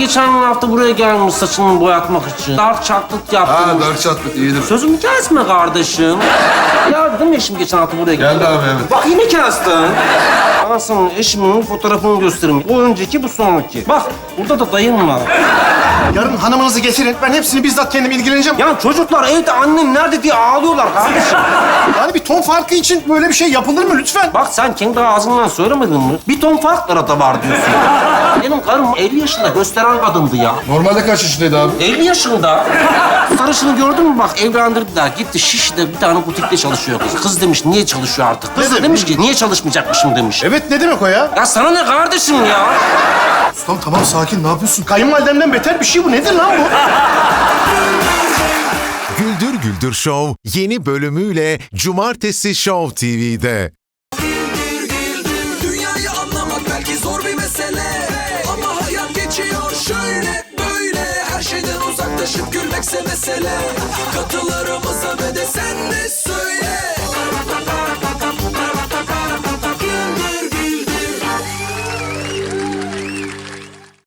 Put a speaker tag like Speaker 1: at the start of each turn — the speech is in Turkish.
Speaker 1: geçen hafta buraya gelmiş saçını boyatmak için. Dark chocolate yaptım.
Speaker 2: Ha, dark chocolate iyidir.
Speaker 1: Sözümü kesme kardeşim. Ya dedim ya eşim geçen hafta buraya geldi.
Speaker 2: Geldi abi, evet.
Speaker 1: Bak yine kestin. Ben sana eşimin fotoğrafını göstereyim. Bu önceki, bu sonraki. Bak burada da dayım var.
Speaker 3: Yarın hanımınızı getirin. Ben hepsini bizzat kendim ilgileneceğim.
Speaker 1: Ya çocuklar evde annem nerede diye ağlıyorlar kardeşim.
Speaker 3: Yani bir ton farkı için böyle bir şey yapılır mı lütfen?
Speaker 1: Bak sen kendi ağzından söylemedin mi? Bir ton fark arada var diyorsun. Benim karım 50 yaşında gösteren kadındı ya.
Speaker 2: Normalde kaç yaşındaydı abi?
Speaker 1: 50 yaşında. Sarışını gördün mü bak evlendirdiler. Gitti Şişli'de bir tane butikte çalışıyor kız. Kız demiş niye çalışıyor artık? Kız
Speaker 3: Ne
Speaker 1: da
Speaker 3: demiş?
Speaker 1: demiş ki niye çalışmayacakmışım demiş.
Speaker 3: Evet, ne demek o ya?
Speaker 1: Ya sana ne kardeşim ya?
Speaker 3: Ustam tamam, sakin, ne yapıyorsun? Kayınvalidemden beter bir şey bu. Nedir lan bu?
Speaker 4: Güldür Güldür Show yeni bölümüyle Cumartesi Show TV'de.
Speaker 5: Dünyayı anlamak belki zor bir mesele, ama hayat geçiyor şöyle böyle. Her şeyden uzaklaşıp gülmekse mesele. Katılırım